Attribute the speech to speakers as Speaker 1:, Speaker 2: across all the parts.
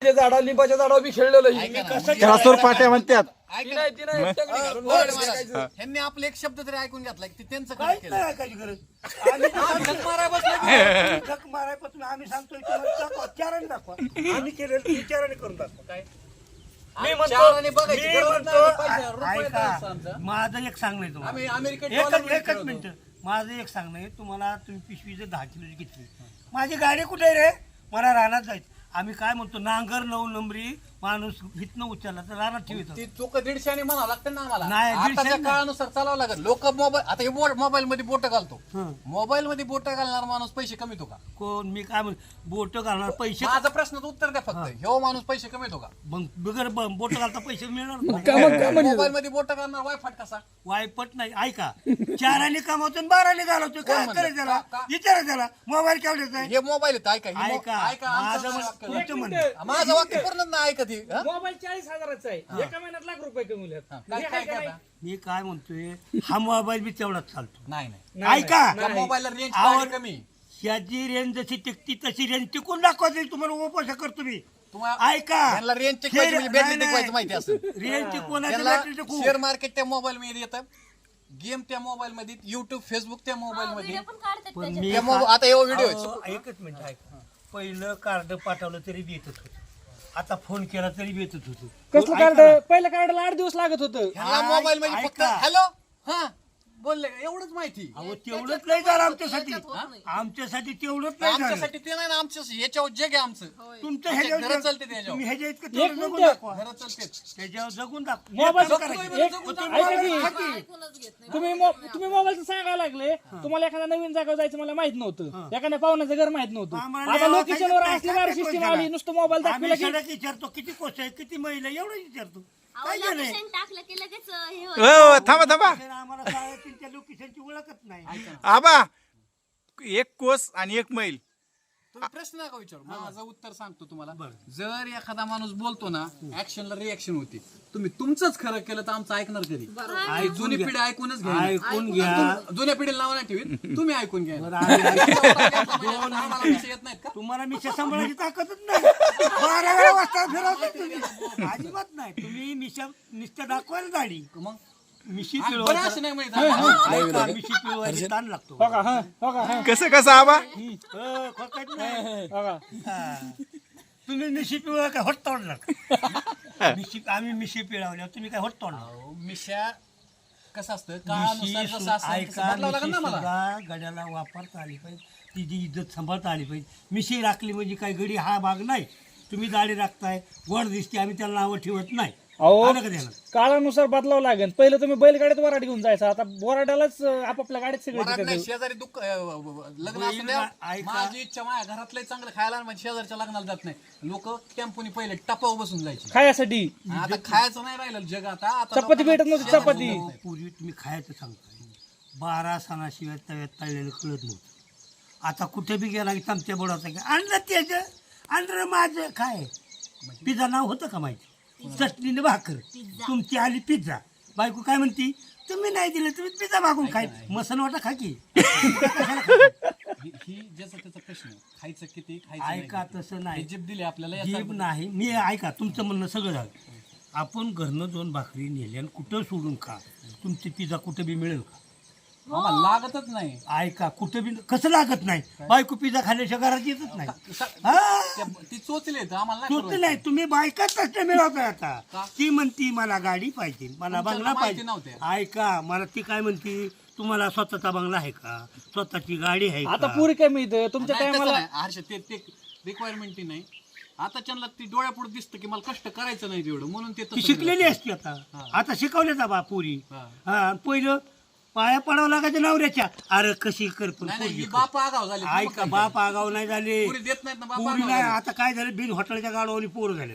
Speaker 1: लिंबाच्या झाडा बी खेळलेलं
Speaker 2: त्याला सुरपाट्या म्हणतात.
Speaker 3: ह्यांनी आपले एक शब्द तरी ऐकून घेतला की त्यांचं काय केलं.
Speaker 4: ऐकायची गरज झक मारायपासून आम्ही सांगतोय दाखवा, चाराने दाखवा. आम्ही केलेलं विचाराने करून दाखवा. काय माझं एक सांगणं आहे तुम्हाला, एकच मिनिट. माझं एक सांगणं आहे तुम्हाला. तुम्ही पिशवी जर 10 किलोची घेतली, माझी गाडी कुठे आहे रे, मला रानात जायचं. आम्ही काय म्हणतो, नांगर 9 नंबरी माणूस हितनं उचलला तर रानात ठेवतो.
Speaker 3: ती चूक 150 म्हणावं लागतं ना आम्हाला.
Speaker 4: नाही, 150
Speaker 3: आताच्या काळानुसार चालावं लागेल. लोक मोबाईल, आता हे मोबाईल मध्ये बोट घालतो. मोबाईल मध्ये बोट घालणार माणूस पैसे कमीतो का?
Speaker 4: कोण? मी काय म्हणतो, बोट घालणार पैसे.
Speaker 3: माझा प्रश्नाचं उत्तर द्या फक्त. ह्यो माणूस पैसे कमीतो का?
Speaker 4: मग बिगर बोट घालता पैसे मिळणार.
Speaker 3: मोबाईल मध्ये बोट घालणार वायफाट कसा?
Speaker 4: वायपट नाही. ऐका, 4 कामावतो 12 घालवतो. काय करायचं त्याला? विचारा त्याला. मोबाईल केवढ्याचा आहे?
Speaker 3: हे मोबाईल आहेत. ऐका माझं वाक्य पूर्ण नाही ऐकत.
Speaker 1: मोबाईल 40,000चा आहे, एका महिन्यात लाख रुपये कमवले.
Speaker 4: मी काय म्हणतोय, हा मोबाईल बी तेवढाच चालतो.
Speaker 3: नाही
Speaker 4: ऐका,
Speaker 3: मोबाईलला रेंज कमी.
Speaker 4: ह्याची रेंज जशी टिकती तशी रेंज टिकून दाखवायची. तुम्हाला उपवास करतो मी. ऐका,
Speaker 3: रेंज टिकवायची माहिती असेल.
Speaker 4: रेंज टिकवण्याचं
Speaker 3: शेअर मार्केट त्या मोबाईल मध्ये येतं, गेम त्या मोबाईल मध्ये, युट्यूब फेसबुक त्या मोबाईल मध्ये. आता एवढा व्हिडिओ
Speaker 4: एकच मिनिट ऐका. पहिलं कार्ड पाठवलं तरी बी येतच होतं, आता फोन केला तरी बी येतच होतं.
Speaker 1: कसलं कार्ड? पहिल्या कार्डाला 8 दिवस लागत होतं.
Speaker 3: मोबाईल मध्ये फक्त हॅलो हा बोलले एवढंच माहिती.
Speaker 4: अहो तेवढंच नाही झालं आमच्यासाठी. आमच्यासाठी तेवढंच नाही झालं.
Speaker 3: आमच्यासाठी ते नाही ना, आमच्या ह्याच्यावर जग आहे आमचं.
Speaker 4: तुमचं
Speaker 3: घरं
Speaker 4: ह्याच्यावर
Speaker 3: चालते त्याच्यावर.
Speaker 4: तुम्ही ह्याच्या इतकं
Speaker 1: एक
Speaker 4: तेवढं जगून
Speaker 1: मिनिट.
Speaker 4: दाखवा.
Speaker 3: घरं चालते
Speaker 4: त्याच्यावर जगून दाखवा.
Speaker 1: मोबाईल
Speaker 4: एकच करायचं.
Speaker 1: तुम्ही मोबाईलचं सांगायला लागले. तुम्हाला एखाद्या नवीन जागा जायचं मला माहित नव्हतं, एखाद्या पाहुण्याचं घर माहित नव्हतं. आता लोकेशनवर असली बार सिस्टीम आली, नुसतं मोबाईल दाखवला की
Speaker 4: आम्ही विचारतो किती कोस आहे, किती महिला, एवढं विचारतो. काय झालंय?
Speaker 5: टाकलं की लगेच हे होतं.
Speaker 2: हो थांबा
Speaker 4: आम्हाला शाळेतील त्या लोकेशनची ओळखच नाही.
Speaker 2: आबा, एक कोस आणि एक मैल.
Speaker 3: तुम्ही प्रश्न नका विचारू, माझं उत्तर सांगतो तुम्हाला. जर एखादा माणूस बोलतो ना, ऍक्शनला रिएक्शन होती. तुम्ही तुमचंच खरं केलं तर आमचं ऐकणार कधी? जुनी पिढी ऐकूनच घ्या.
Speaker 4: ऐकून घ्या.
Speaker 3: जुन्या पिढीला नाव नाही ठेवीत, तुम्ही ऐकून घ्या. येत नाहीत का?
Speaker 4: तुम्हाला मिशा सांभाळायची ताकदच नाही. 12 वेळा वाजता फिरवता तुम्ही. अजिबात नाही. तुम्ही मिशा नुसत्या दाखवायला दाढी,
Speaker 3: मग
Speaker 4: मिशी
Speaker 3: बरं असं नाही माहित.
Speaker 4: ऐका, मिशी पिळवायची ताण लागतो.
Speaker 1: हो का?
Speaker 2: कसं आबा?
Speaker 4: खोकायचं नाही.
Speaker 1: हो का?
Speaker 4: तुम्ही मिशी पिळवा काय होट तोडणार? आम्ही मिशी पिळवल्या, तुम्ही काय होट तोडणार?
Speaker 3: मिशा कसं असतं, काळानुसार जसं असतं तसं बदलावं लागेल ना मला.
Speaker 4: गड्याला वापरता आली पाहिजे, तिची इज्जत सांभाळता आली पाहिजे. मिशी राखली म्हणजे काय गडी हा भाग नाही. तुम्ही दाढी राखताय, गोड दिसते, आम्ही त्याला नावं ठेवत नाही.
Speaker 1: अहो काळानुसार बदलावं लागेल. पहिलं तुम्ही बैलगाडीत वराड घेऊन जायचा, आता बोराड्यालाच आपापल्या गाडीत सगळे.
Speaker 3: शेजारी दुःख लग्न असू द्या, माझी इच्छा माझ्या घरातलं चांगलं खायला, म्हणजे शेजारच्या लग्नाला जात नाही. लोक टेम्पोनी पहिले टपावर बसून जायचे
Speaker 1: खायासाठी.
Speaker 3: आता खायचं नाही राहिलं जग. आता
Speaker 1: चपाती भेटत नव्हती. चपाती
Speaker 4: पूर्वी तुम्ही खायचं सांगताय, 12 सणाशिवाय तव्यात तळलेलं कळत नव्हतं. आता कुठे बी गेला की चमच्या बोडाचं काय आणलं, त्याचं आणलं माझं. काय पिझ्झा नाव होतं का माहिती? चटणीने भाकर. तुमची आली पिझ्झा. बायको काय म्हणती, तुम्ही नाही दिलं, तुम्ही पिझ्झा मागून खाय. मसन वाटा खा की.
Speaker 3: ही ज्याचा त्याचा प्रश्न, खायचं किती खायचं.
Speaker 4: ऐका, तसं नाही.
Speaker 3: जीभ दिली आपल्याला,
Speaker 4: जीभ नाही. मी ऐका, तुमचं म्हणणं सगळं झालं. आपण घरनं 2 भाकरी नेल्या आणि कुठं सोडून खा. तुमची पिझ्झा कुठं बी मिळेल का?
Speaker 3: लागतच नाही.
Speaker 4: ऐका, कुठं बी कसं लागत नाही? बायको पिझ्झा खाल्ल्याशिवाय घरात येतच नाही.
Speaker 3: ती चोचले आम्हाला
Speaker 4: चोच नाही. तुम्ही बायकाच कष्ट मिळवताय. आता ती म्हणती मला गाडी पाहिजे, मला बंगला पाहिजे. ऐका, मला ती काय म्हणती, तुम्हाला स्वतःचा बंगला आहे का, स्वतःची गाडी आहे
Speaker 1: आता
Speaker 4: का?
Speaker 1: पुरी कमी इथं तुमच्या टायमाला.
Speaker 3: हर्ष ते रिक्वायरमेंट नाही. आता त्यांना ती डोळ्यापुढे दिसतं की मला कष्ट करायचं नाही तेवढं, म्हणून ते
Speaker 4: शिकलेली असते. आता शिकवले बा पुरी. हा, पहिलं पाया पडावं लागायचं नवऱ्याच्या. अरे कशी कर, पण
Speaker 3: बाप आगाव झाले.
Speaker 4: ऐका, बाप आगाव नाही झाले.
Speaker 3: देत नाहीत ना
Speaker 4: पुरी नाही. आता काय झालं, बिन हॉटेलच्या गाडवानी पोरं झाले.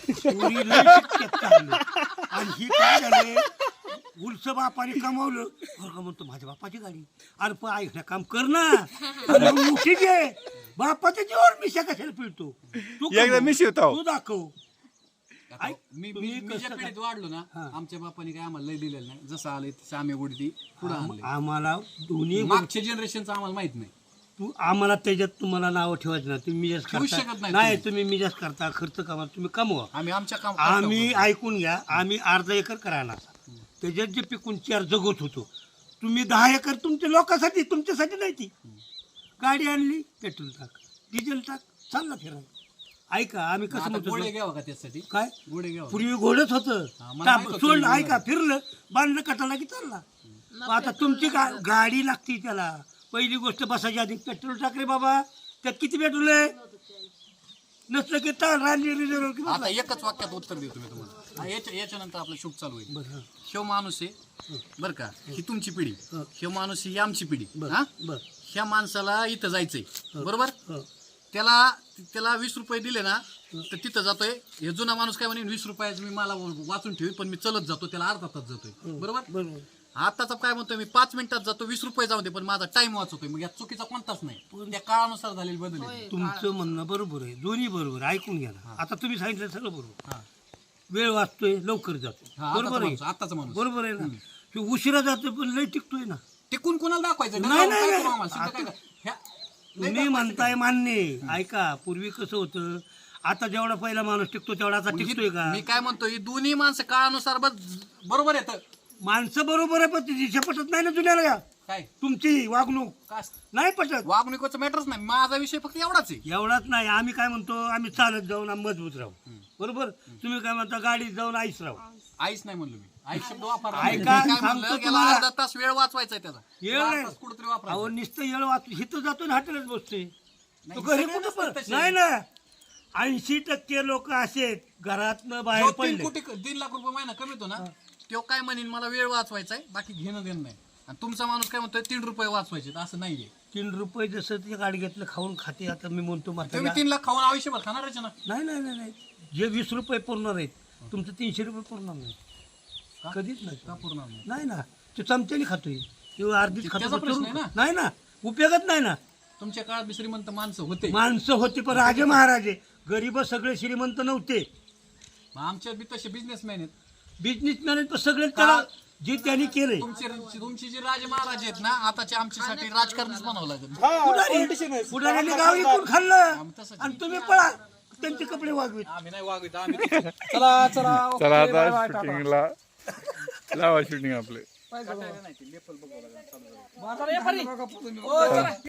Speaker 4: आणि ही काय झाले, उलस बापाने कमावलं. बरं म्हणतो माझ्या बापाची गाडी. अरे पण ऐक काम कर ना, मोठी घे. बापाच्या जीवावर मिशा कशाला पिळतो? तू दाखव.
Speaker 3: मी ज्या पिढीत वाढलो ना, आमच्या बापाने काय आम्हाला लय दिलेलं नाही. जसं आलं तसं आम्ही उडती पुढे आणलं.
Speaker 4: आम्हाला दोन्ही
Speaker 3: मागच्या जनरेशनचं आम्हाला माहित नाही.
Speaker 4: तू आम्हाला त्याच्यात तुम्हाला नावं ठेवायचं ना तुम्ही मिजाज
Speaker 3: ठेवूच शकत
Speaker 4: करता
Speaker 3: नाही
Speaker 4: नाही तुम्ही मिजाज करता खर्च कमा तुम्ही कमवा
Speaker 3: आम्ही आमच्या काम
Speaker 4: आम्ही ऐकून घ्या आम्ही अर्धा एकर करायला त्याच्यात जे पिकून 4 जगत होतो तुम्ही 10 एकर तुमच्या लोकांसाठी तुमच्यासाठी नाही ती गाडी आणली पेट्रोल टाक डिझेल टाक चालला फिरायला ऐका आम्ही कसं
Speaker 3: आता गोडे
Speaker 4: म्हणतो
Speaker 3: घ्यावं का त्यासाठी
Speaker 4: काय
Speaker 3: गोडे घ्यावं
Speaker 4: पूर्वी घोडच
Speaker 3: हा, मला माहित
Speaker 4: होतं
Speaker 3: होतं
Speaker 4: सोडलं
Speaker 3: तुम्ही
Speaker 4: ऐका फिरलं बांधलं कटाला की चालला आता तुमची गाडी लागती त्याला पहिली गोष्ट बसायची आधी पेट्रोल टाक रे बाबा त्यात किती पेट्रोल आहे नसलं की रांजी रिझर्व की
Speaker 3: आता एकच वाक्यात उत्तर देतो मी तुम्हाला याच्यानंतर आपलं शूट चालू होईल
Speaker 4: बरं
Speaker 3: ह्यो माणूस आहे बरं का ही तुमची पिढी ह्यो माणूस ही आमची पिढी हा
Speaker 4: बरं
Speaker 3: ह्या माणसाला इथं जायचंय बरोबर
Speaker 4: हं.
Speaker 3: त्याला 20 रुपये दिले ना तर तिथं जातोय हे जुना माणूस काय म्हणेन 20 रुपयाचं मी मला वाचून ठेवीन पण मी चलत जातो त्याला अर्धा तास जातोय बरोबर
Speaker 4: बरोबर
Speaker 3: आताचा काय म्हणतोय मी 5 मिनिटात जातो 20 रुपये जाऊ दे पण माझा टाइम वाचवतोय मग या चुकीचा कोणताच नाही त्या काळानुसार झालेली बदल आहे.
Speaker 4: तुमचं म्हणणं बरोबर आहे दोन्ही बरोबर आहे. ऐकून घ्या ना आता तुम्ही सांगितलं सगळं बरोबर
Speaker 3: हा.
Speaker 4: वेळ वाचतोय लवकर जातो
Speaker 3: हा,
Speaker 4: बरोबर आहे
Speaker 3: आताचा माणूस
Speaker 4: बरोबर आहे ना तो उशिरा जातोय पण लय टिकतोय ना
Speaker 3: टिकून कोणाला दाखवायचं
Speaker 4: नाही,
Speaker 3: काय
Speaker 4: नाही.
Speaker 3: करू आम्हाला? सिद्ध काय करू? लय
Speaker 4: तुम्ही म्हणताय मान्य आहे. ऐका पूर्वी कसं होतं आता जेवढा पहिला माणूस टिकतो तेवढा आता टिकतोय का
Speaker 3: मी काय म्हणतो ही दोन्ही माणसं काळानुसार बरोबर येतं
Speaker 4: माणसं बरोबर आहे पण तिची पटत नाही ना जुन्याला का
Speaker 3: काय
Speaker 4: तुमची वागणूक
Speaker 3: काय
Speaker 4: नाही पटत
Speaker 3: वागणुकीचं मॅटरच नाही माझा विषय फक्त एवढाच आहे
Speaker 4: एवढाच नाही आम्ही काय म्हणतो आम्ही चालत जाऊन आम्ही मजबूत राहू बरोबर तुम्ही काय म्हणता गाडीत जाऊन आईस राहू
Speaker 3: आईच नाही म्हणलो मी आई शब्द वापरला
Speaker 4: ऐका,
Speaker 3: मी काय
Speaker 4: सांगतो
Speaker 3: म्हणलं, गेला
Speaker 4: तुम्हाला.
Speaker 3: अर्धा तास वेळ वाचवायचा आहे त्याचा
Speaker 4: येळ
Speaker 3: अर्धा
Speaker 4: नाही.
Speaker 3: तास कुठेतरी वापरायचा
Speaker 4: अहो नुसतं येळ वाचतो हिथं जातो ना हॉटेलच बसतोय तो
Speaker 3: नाही,
Speaker 4: घरी
Speaker 3: सगळे
Speaker 4: कुठं
Speaker 3: नसतात
Speaker 4: पण
Speaker 3: तसे.
Speaker 4: नाही ना 80% लोक असे आहेत, घरातनं बाहेर
Speaker 3: जो 3
Speaker 4: पडले
Speaker 3: कोटी 3 लाख रुपये महिना कमीतो ना तो काय म्हणेन मला वेळ वाचवायचा आहे बाकी घेणं देणं नाही आणि तुमचा माणूस काय म्हणतोय 3 रुपये वाचवायचे असं नाहीये
Speaker 4: 3 रुपये जसं ते गाडी घेतलं खाऊन खाते आता मी म्हणतो
Speaker 3: तुम्ही
Speaker 4: म्हातारी
Speaker 3: 3 लाख खाऊन आयुष्यभर खाणारच ना
Speaker 4: नाही नाही नाही नाही जे 20 रुपये पुरणार आहेत तुमचं 300 रुपये पुरणार नाही कधीच नाही
Speaker 3: का पूर्ण नाही
Speaker 4: नाही ना तो चमच्याने खातोय तो अर्धीच
Speaker 3: त्याचा
Speaker 4: खातो
Speaker 3: प्रश्न आहे ना.
Speaker 4: नाही ना उपयोगच नाही ना
Speaker 3: तुमच्या काळात बी श्रीमंत माणसं होते
Speaker 4: माणसं होती पण राजे महाराजे गरीब सगळे श्रीमंत नव्हते
Speaker 3: मग आमच्यात बी तसे बिझनेसमॅन आहेत
Speaker 4: बिझनेसमॅन पण सगळे त्याला जे त्यांनी केले
Speaker 3: तुमची जी राजे महाराज आहेत ना आताचे आमच्यासाठी राजकारणच बनावं लागेल
Speaker 4: पुढाऱ्यांनी गाव विकून खाल्लं
Speaker 3: मग तसंच
Speaker 4: आणि तुम्ही पळा त्यांचे कपडे वागवीत
Speaker 3: आम्ही नाही वागवित आम्ही
Speaker 1: चला चला
Speaker 2: चला आता शूटिंगला लावा शूटिंग आपले
Speaker 1: चला, ये परी. ओ, चला.